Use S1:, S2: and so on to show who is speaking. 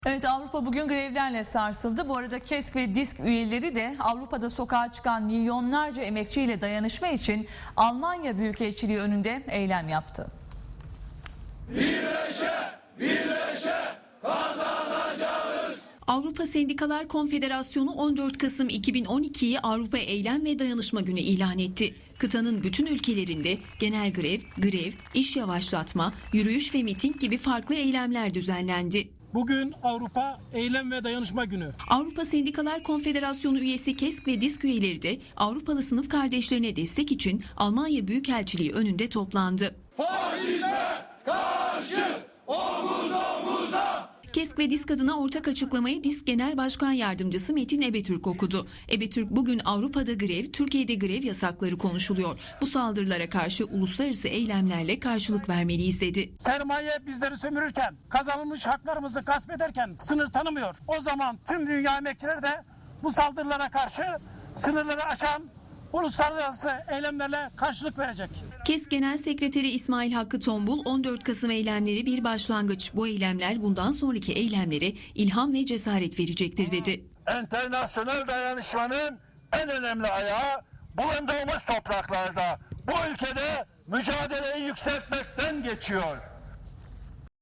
S1: Evet, Avrupa bugün grevlerle sarsıldı. Bu arada KESK ve DİSK üyeleri de Avrupa'da sokağa çıkan milyonlarca emekçiyle dayanışma için Almanya Büyükelçiliği önünde eylem yaptı.
S2: Birleşe, birleşe kazanacağız.
S3: Avrupa Sendikalar Konfederasyonu 14 Kasım 2012'yi Avrupa Eylem ve Dayanışma Günü ilan etti. Kıtanın bütün ülkelerinde genel grev, iş yavaşlatma, yürüyüş ve miting gibi farklı eylemler düzenlendi.
S4: Bugün Avrupa Eylem ve Dayanışma Günü.
S3: Avrupa Sendikalar Konfederasyonu üyesi KESK ve DİSK üyeleri de Avrupalı sınıf kardeşlerine destek için Almanya Büyükelçiliği önünde toplandı.
S2: Faşizme karşı omuz omuza.
S3: KESK ve DİSK adına ortak açıklamayı DİSK Genel Başkan Yardımcısı Metin Ebetürk okudu. Ebetürk, bugün Avrupa'da grev, Türkiye'de grev yasakları konuşuluyor. Bu saldırılara karşı uluslararası eylemlerle karşılık vermeliyiz dedi.
S4: Sermaye bizleri sömürürken, kazanılmış haklarımızı gasp ederken sınır tanımıyor. O zaman tüm dünya emekçileri de bu saldırılara karşı sınırları aşan uluslararası eylemlerle karşılık verecek.
S3: KESK Genel Sekreteri İsmail Hakkı Tombul, 14 Kasım eylemleri bir başlangıç. Bu eylemler bundan sonraki eylemlere ilham ve cesaret verecektir dedi.
S5: Enternasyonel dayanışmanın en önemli ayağı bulunduğumuz topraklarda, bu ülkede mücadeleyi yükseltmekten geçiyor.